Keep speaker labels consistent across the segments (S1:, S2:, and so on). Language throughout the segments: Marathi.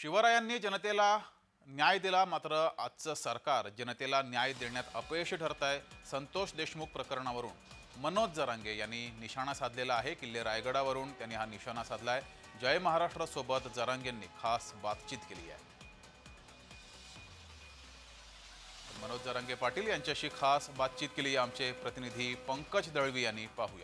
S1: शिवरायांनी जनतेला न्याय दिला, मात्र आजचं सरकार जनतेला न्याय देण्यात अपयशी ठरत आहे। संतोष देशमुख प्रकरणावरून मनोज जरांगे यांनी निशाणा साधलेला आहे। किल्ले रायगडावरून त्यांनी हा निशाणा साधलाय। जय महाराष्ट्र सोबत जरांगेंनी खास बातचीत केली आहे। मनोज जरांगे पाटील यांच्याशी खास बातचीत केली आमचे प्रतिनिधी पंकज दळवी यांनी। पाहूया।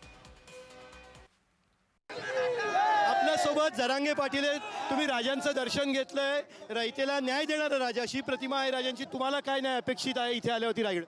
S2: आपल्यासोबत जरांगे पाटील आहेत। तुम्ही राजांचं दर्शन घेतलंय, रयतेला न्याय देणारा राजा, अशी प्रतिमा आहे राजांची। तुम्हाला काय न्याय अपेक्षित आहे इथे आल्यावरती रायगड?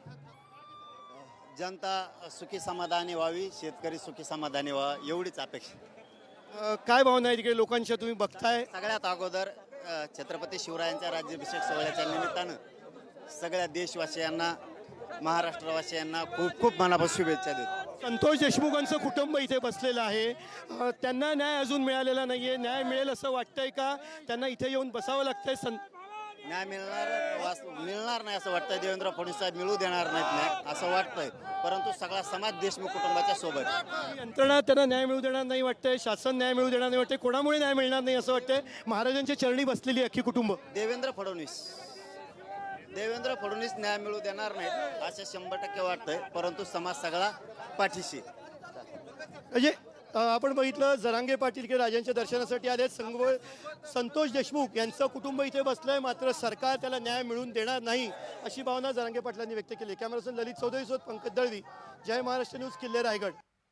S3: जनता सुखी समाधानी व्हावी, शेतकरी सुखी समाधानी व्हावा, एवढीच अपेक्षा।
S2: काय भावना आहे तिकडे लोकांच्या तुम्ही बघताय?
S3: सगळ्यात अगोदर छत्रपती शिवरायांच्या राज्याभिषेक सोहळ्याच्या निमित्तानं सगळ्या देशवासियांना, महाराष्ट्रवासियांना खूप खूप मनापासून शुभेच्छा देतो।
S2: संतोष देशमुखांचं कुटुंब इथे बसलेलं आहे, त्यांना न्याय अजून मिळालेला नाहीये। न्याय मिळेल असं वाटतंय का? त्यांना इथे येऊन बसावं लागतंय?
S3: न्याय मिळणार नाही असं वाटतंय। देवेंद्र फडणवीस साहेब मिळू देणार नाहीत न्याय असं वाटतंय, परंतु सगळा समाज देशमुख कुटुंबाच्या सोबत।
S2: यंत्रणा त्यांना न्याय मिळू देणार नाही वाटतंय, शासन न्याय मिळू देणार नाही वाटतंय। कोणामुळे न्याय मिळणार नाही असं वाटतंय? महाराजांच्या चरणी बसलेली अख्खी कुटुंब।
S3: देवेंद्र फडणवीस न्याय मिळू देणार नाहीत असं 100% वाटतंय, परंतु समाज सगळा पाठीशी।
S2: म्हणजे आपण बघितलं जरांगे पाटील के राजांच्या दर्शनासाठी आले। संतोष देशमुख यांचं कुटुंब इथे बसलंय, मात्र सरकार त्याला न्याय मिळवून देणार नाही अशी भावना जरांगे पाटलांनी व्यक्त केली। कॅमेरामन ललित चौधरी सोबत पंकज दळवी, जय महाराष्ट्र न्यूज, किल्ले रायगड।